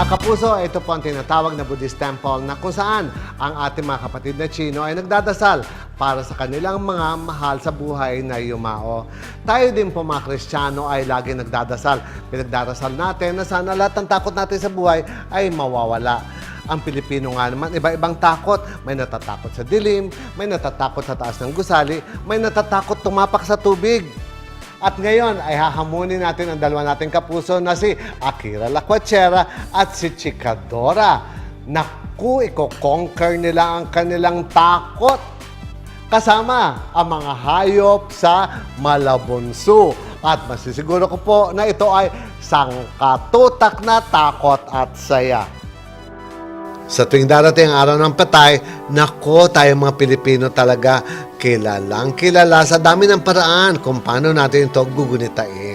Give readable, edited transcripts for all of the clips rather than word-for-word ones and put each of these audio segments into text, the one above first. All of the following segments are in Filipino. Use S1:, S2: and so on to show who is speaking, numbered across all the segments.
S1: Mga kapuso, ito po ang tinatawag na Buddhist temple na kung saan ang ating mga kapatid na Chino ay nagdadasal para sa kanilang mga mahal sa buhay na yumao. Tayo din po mga Kristiyano ay lagi nagdadasal. Pinagdarasal natin na sana lahat ng takot natin sa buhay ay mawawala. Ang Pilipino nga naman, iba-ibang takot. May natatakot sa dilim, may natatakot sa taas ng gusali, may natatakot tumapak sa tubig. At ngayon ay hahamunin natin ang dalawa nating kapuso na si Akira Lacuachera at si Chikadora. Naku, iko-conquer nila ang kanilang takot kasama ang mga hayop sa Malabunso. At masisiguro ko po na ito ay sangkatutak na takot at saya. Sa tuwing darating ang araw ng patay, nako, tayo mga Pilipino talaga kilalang kilala sa dami ng paraan kung paano natin ito gugunitain.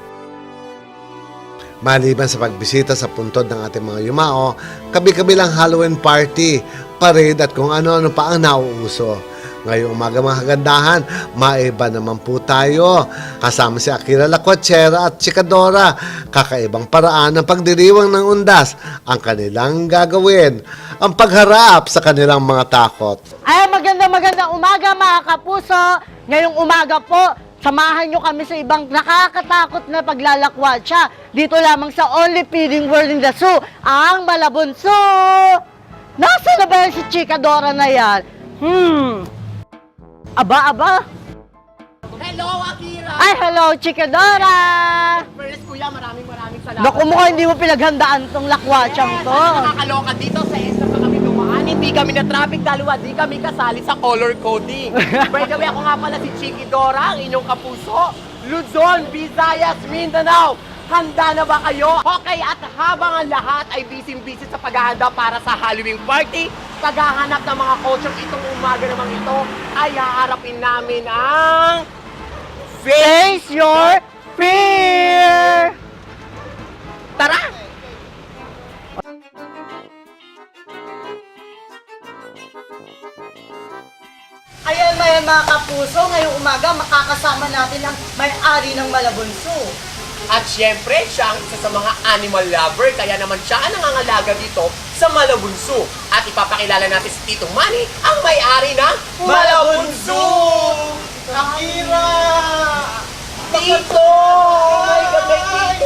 S1: Maliban sa pagbisita sa puntod ng ating mga yumao, kabi-kabilang Halloween party, parade at kung ano-ano pa ang nauuso. Ngayong umaga mga kagandahan, maiba naman po tayo. Kasama si Akira Lacuachera at Chikadora. Kakaibang paraan ng pagdiriwang ng undas ang kanilang gagawin. Ang pagharap sa kanilang mga takot.
S2: Ay, magandang umaga mga kapuso. Ngayong umaga po, samahan nyo kami sa ibang nakakatakot na paglalakwatsa. Dito lamang sa Only Feeding World in the Zoo, ang Malabunso. Nasaan na ba yan si Chikadora na yan? Aba.
S3: Hello, Akira!
S2: Ay, hello, Chikadora!
S3: First, kuya, maraming salamat.
S2: Naku mo, hindi mo pinaghandaan tong lakwatsang to.
S3: Nakakaloka dito sa ESTA pa kami dumaan. Hindi kami na traffic dalawa, di kami kasali sa color coding. By the way, ako nga pala si Chikidora, ang inyong kapuso. Luzon, Visayas, Mindanao. Handa na ba kayo? Okay, at habang ang lahat ay busy-busy sa paghahanda para sa Halloween party, paghahanap ng mga costume itong umaga namang ito, ay haharapin namin ang
S2: Face your fear!
S3: Tara!
S2: Ayan mga kapuso, ngayong umaga makakasama natin ang may-ari ng Malabunso.
S3: At syempre, siya ang isa sa mga animal lover, kaya naman siya ang nangangalaga dito sa Malabunso. At ipapakilala natin si Tito Manny, ang may-ari ng Malabunso!
S4: Akira!
S3: Tito! Oh my God, may Tito!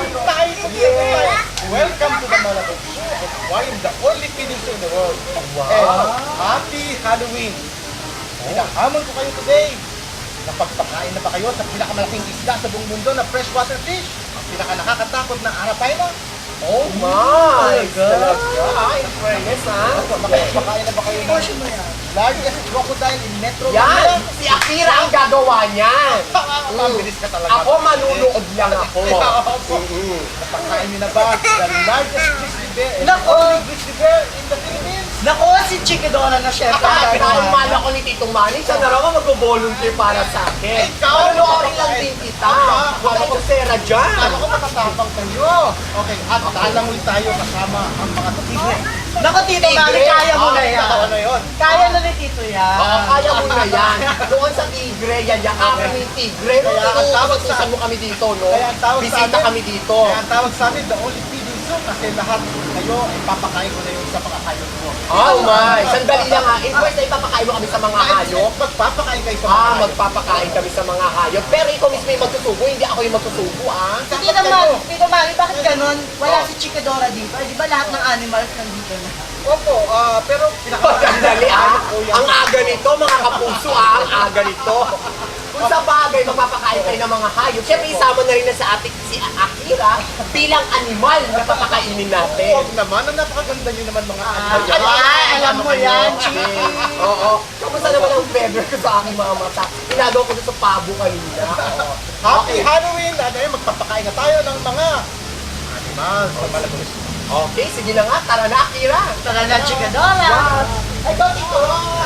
S4: Welcome to the Malabunso. I am the only feeding zoo in the world.
S3: Wow!
S4: And happy Halloween! Pinahamon ko kayo today. Napagpakain na ba kayo sa pinakamalaking isda sa buong mundo na freshwater fish? Ang pinakanakakatakot na arapaina?
S3: Oh my God!
S4: Talaga?
S3: In fairness, ha?
S4: Napagpakain na ba kayo ng largest crocodile in Metro
S3: Yan!
S4: Manila?
S3: Si Akira ang gagawa niyan!
S4: Mabilis ka talaga.
S3: Ako, manunood lang ako.
S4: Napakain niyo na ba the largest grizzly bear and
S2: Nako!
S4: only grizzly bear in the Philippines?
S2: Naku, si Chikadora na syempre.
S3: Pinakaumala ko ni Tito Manny, siya na raw mag-volunteer para sa akin.
S4: Ikaw!
S3: Manunoodin lang din kita. Wala yung sera dyan.
S4: Ano ko matatapang kayo? Okay, at alam ulit tayo kasama ang mga tigre.
S2: Naku, Tito Manny, kaya mo na yan.
S4: Ano yun?
S2: Kaya na ni Tito yan.
S3: Oo, kaya mo na yan. Doon sa Tigre, yan yung aking yung Tigre.
S4: Kaya ang tawag sa-
S3: Utusan mo kami dito, no?
S4: Kaya ang tawag sa
S3: Bisita
S4: amin-
S3: kami dito.
S4: Kaya ang tawag sa amin, the only feeding zoo, kasi lahat kayo ay papakain ko na yun sa mga hayop mo.
S3: Oh my! Sandali lang ha. First na ipapakain mo kami sa mga hayop.
S4: Magpapakain kayo sa mga hayop.
S3: Magpapakain kami sa mga hayop. Pero ikaw mismo yung magsusubo, hindi ako yung magsusubo, ah.
S2: Tito Manny, bakit ganun? Wala si Chikadora dito. Di ba lahat ng animals nandito na?
S4: Opo, pero
S3: Sandali ah. Ang aga nito, mga kapuso ah. Ang aga nito. Kung sa bagay, magpapakain kayo ng mga hayop. Siyempre, isama na rin na sa ating si Akira bilang animal na papakainin natin.
S4: Huwag naman, ang napakaganda nyo naman mga animal.
S2: Alam mo yan, Chiki.
S3: Oo. Kamusta naman ang feather ko sa aking mga mata? Ginagawa ko doon sa pabo kanina. Oo.
S4: Happy Halloween! At ayun, magpapakain na tayo ng mga animals sa Malabunso.
S3: Okay, sige na nga. Tara na, Akira.
S2: Tara na, Chikadora.
S3: Ay, go, Tito.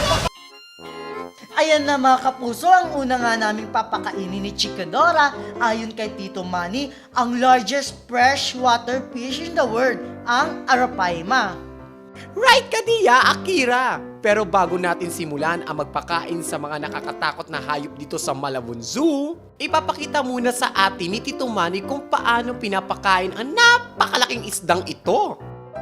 S2: Ayan na mga kapuso, ang una nga naming papakainin ni Chikadora, ayon kay Tito Manny, ang largest freshwater fish in the world, ang Arapaima.
S3: Right ka diya, Akira. Pero bago natin simulan ang magpakain sa mga nakakatakot na hayop dito sa Malabon Zoo, ipapakita muna sa atin ni Tito Manny kung paano pinapakain ang napakalaking isdang ito.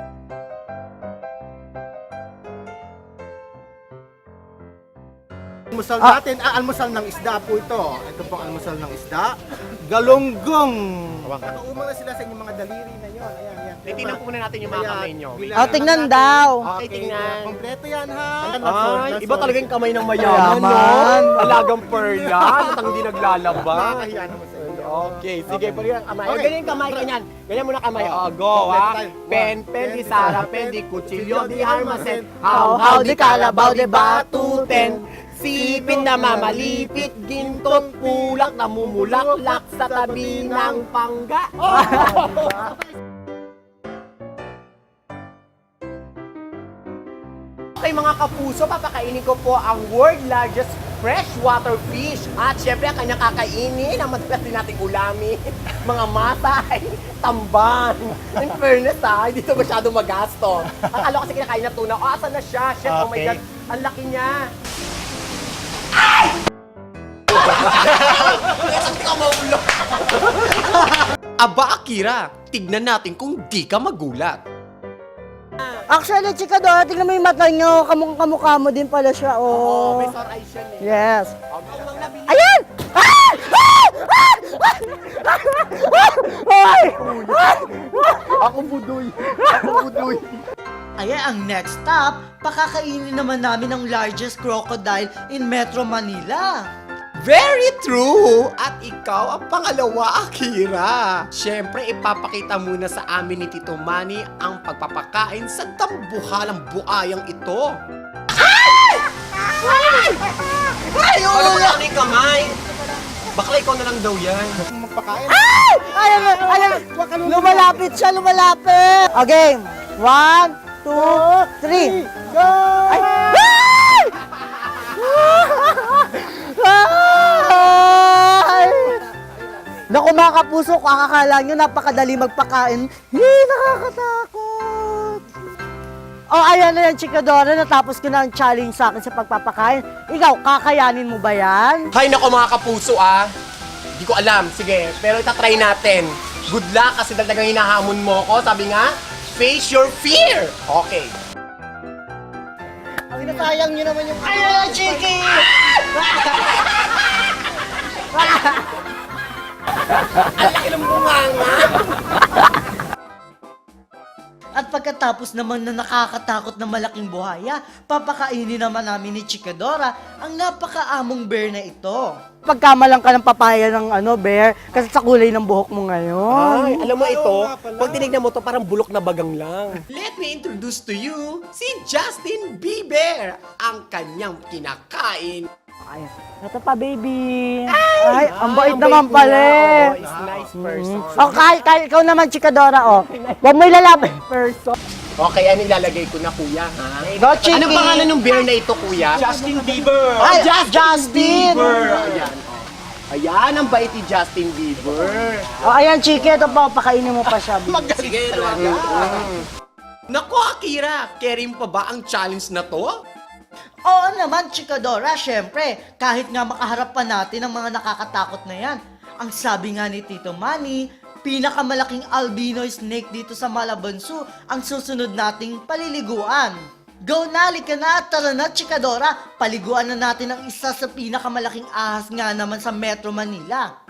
S4: Almusal natin, almusal ng isda po ito. Ito po ang almusal ng isda. Galunggong. Nakauma na sila sa inyong mga daliri na yon. Ayan, ayan.
S3: Titignan po muna natin yung mga kamay nyo.
S2: Tingnan daw.
S3: Okay, tingnan.
S4: Kompleto yan ha.
S3: Ay, iba talaga yung kamay ng mayaman, no? Alagang perla, at ang hindi naglalaba.
S4: Nakakahiya naman sa inyo.
S3: Okay, sige, pwede yung kamay.
S4: Okay.
S3: Ganyan yung kamay, ganyan. Ganyan muna kamay. Go, ha? Pen, di Sara, pen, di kutsilyo, di harmasen. How, di kalabaw, di batuten. Sipin na mamalipit, gintot, pulak, namumulaklak sa tabi ng pangga. Okay mga kapuso, papakainin ko po ang world largest freshwater fish. At syempre, ang kanyang kakainin, ang madalas din nating ulami, mga matay, tamban. In fairness hindi ito masyado magasto. Akala ko kasi kinakain na tuna. Oh, asan na siya? Chef, oh my
S4: Okay.
S3: God, ang laki niya. Aba, Akira, tignan natin kung di ka magulat.
S2: Actually, chika Dora, tingnan mo yung mata nyo. Kamukha mo din pala siya,
S3: Oo,
S2: oh.
S3: may sore eyes yan eh.
S2: Yes.
S3: Ang nabili.
S2: Ayan! Ay!
S3: Ako budoy.
S5: Ayan, ang next stop, pakakainin naman namin ang largest crocodile in Metro Manila.
S3: Very true! At ikaw ang pangalawa, Akira. Siyempre, ipapakita muna sa amin ni Tito Manny ang pagpapakain sa tambuhalang buayang ito. Ay! Ano mo lang ni kamay? Bakla ikaw na lang daw yan.
S4: Magpakain.
S2: Ayan! Lumalapit siya, lumalapit! Okay, 1, 2, 3.
S4: Go!
S2: Ay! Naku mga kapuso, kung akakala nyo napakadali magpakain, nakakatakot. Oh, ayan na yan, Chika Dora, natapos ko na ang challenge sa akin sa pagpapakain. Ikaw, kakayanin mo ba yan?
S3: Hay nako mga kapuso Hindi ko alam. Sige, pero itatry natin. Good luck kasi talagang hinahamon mo ko. Sabi nga, face your fear. Okay.
S2: Sinasayang nyo naman yung...
S3: Ayan, Chiki! Ang laki ng bunganga.
S5: At pagkatapos naman na nakakatakot na malaking buhaya, papakainin naman namin ni Chikadora ang napakaamong bear na ito.
S2: Pagkamalang ka ng papaya ng bear, kasi sa kulay ng buhok mo ngayon.
S3: Ay, alam mo ito,
S4: nga pala.
S3: pag tinignan mo to parang bulok na bagang lang. Let me introduce to you si Justin Bieber, ang kanyang kinakain.
S2: Ay, ito pa, baby. Ay, ang bait
S3: ang
S2: naman
S3: bait
S2: pala.
S3: niya. Oo, is nice person.
S2: Oh, kahit ikaw naman, Chikadora, oh. Huwag mo ilalapit. Person.
S3: Okay, ano ilalagay ko na, kuya, ha?
S2: Go, Chiki.
S3: Anong pangalan ng bear na ito, kuya?
S4: Justin Bieber!
S2: Ay, Justin!
S3: Ayan, oh. Ayan, ang bait ni Justin Bieber.
S2: Oh, ayan, Chiki. Ito pa, pakainin mo pa siya.
S3: Sige, talaga. Naku, Akira, carry mo pa ba ang challenge na to?
S5: Oo naman, Chikadora, syempre, kahit nga makaharap pa natin ang mga nakakatakot na yan. Ang sabi nga ni Tito Manny, pinakamalaking albino snake dito sa Malabon Zoo ang susunod nating paliliguan. Go na, lika na, tara na, Chikadora, paliguan na natin ang isa sa pinakamalaking ahas nga naman sa Metro Manila.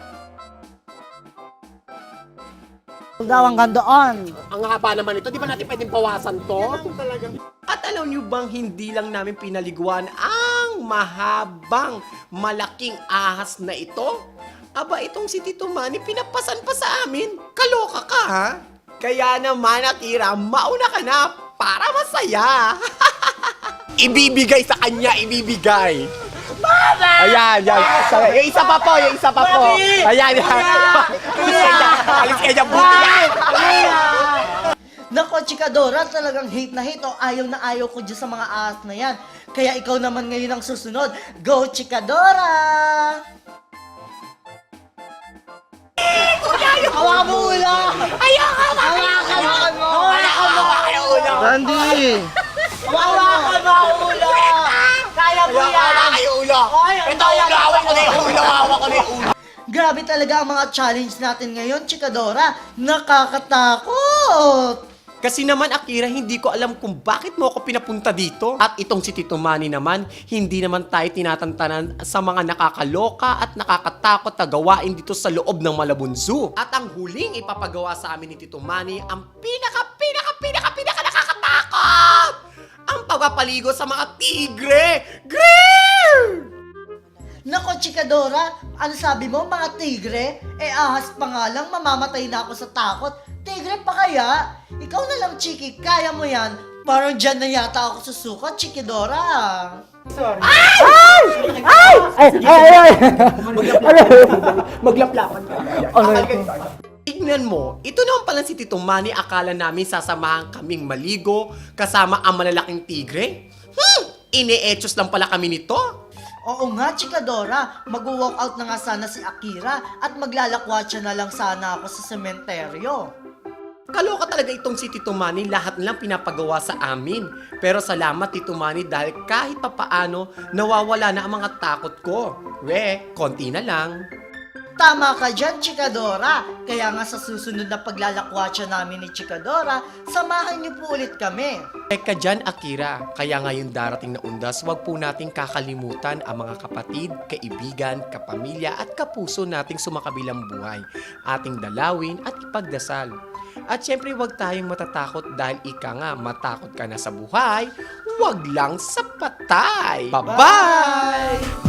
S2: Daw hanggang doon.
S3: Ang haba naman ito, di ba natin pwedeng bawasan to? At alam nyo bang hindi lang namin pinaliguan ang mahabang malaking ahas na ito? Aba, itong si Tito Manny, pinapasan pa sa amin. Kaloka ka, ha? Kaya naman, Akira, mauna ka na para masaya. Ibibigay sa kanya, ibibigay. Ayan, yan. Yung isa pa po, yung isa pa po. Ayan, yan. Alis ka dyan, buti yan.
S5: Nako, Chikadora, talagang hate na hate o ayaw na ayaw ko dyan sa mga ahas na yan. Kaya ikaw naman ngayon ang susunod. Go, Chikadora!
S2: Hawakan mo ulo! Hawakan mo!
S3: Hawakan mo yung ulo.
S2: Randy!
S3: Hawakan mo ang ulo. Hawak yung ulo! Ito ulo! Hawak ko na yung ulo! Hawak ko na yung ulo!
S5: Grabe talaga ang mga challenge natin ngayon, Chikadora. Nakakatakot!
S3: Kasi naman, Akira, hindi ko alam kung bakit mo ako pinapunta dito. At itong si Tito Manny naman, hindi naman tayo tinatantanan sa mga nakakaloka at nakakatakot na gawain dito sa loob ng Malabon Zoo. At ang huling ipapagawa sa amin ni Tito Manny, ang pinaka nakakatakot! Ang pagpapaligo sa mga tigre! Grrrr!
S5: Nako, Chikadora, ano sabi mo, mga tigre? Ahas pa nga lang, mamamatay na ako sa takot. Tigre pa kaya? Ikaw na lang, Chiki, kaya mo yan. Parang dyan na yata ako susukat, Chikidora.
S3: Maglaplapan ka. Tignan mo, ito naman pala si Tito Manny, akala namin sasamahan kaming maligo kasama ang malalaking tigre. Ine-etchos lang pala kami nito.
S5: Oo nga, Chikadora, mag-walk out na nga sana si Akira at maglalakwatsa na lang sana ako sa sementeryo.
S3: Kaloka talaga itong si Tito Manny, lahat lang pinapagawa sa amin. Pero salamat Tito Manny dahil kahit papaano nawawala na ang mga takot ko. Konti na lang.
S5: Tama ka dyan, Chikadora. Kaya nga sa susunod na paglalakwatsa namin ni Chikadora, samahan niyo po ulit kami.
S3: Teka dyan, Akira. Kaya ngayon darating na undas, wag po nating kakalimutan ang mga kapatid, kaibigan, kapamilya at kapuso nating sumakabilang buhay. Ating dalawin at ipagdasal. At syempre wag tayong matatakot dahil ika nga matakot ka na sa buhay, wag lang sa patay. Bye-bye!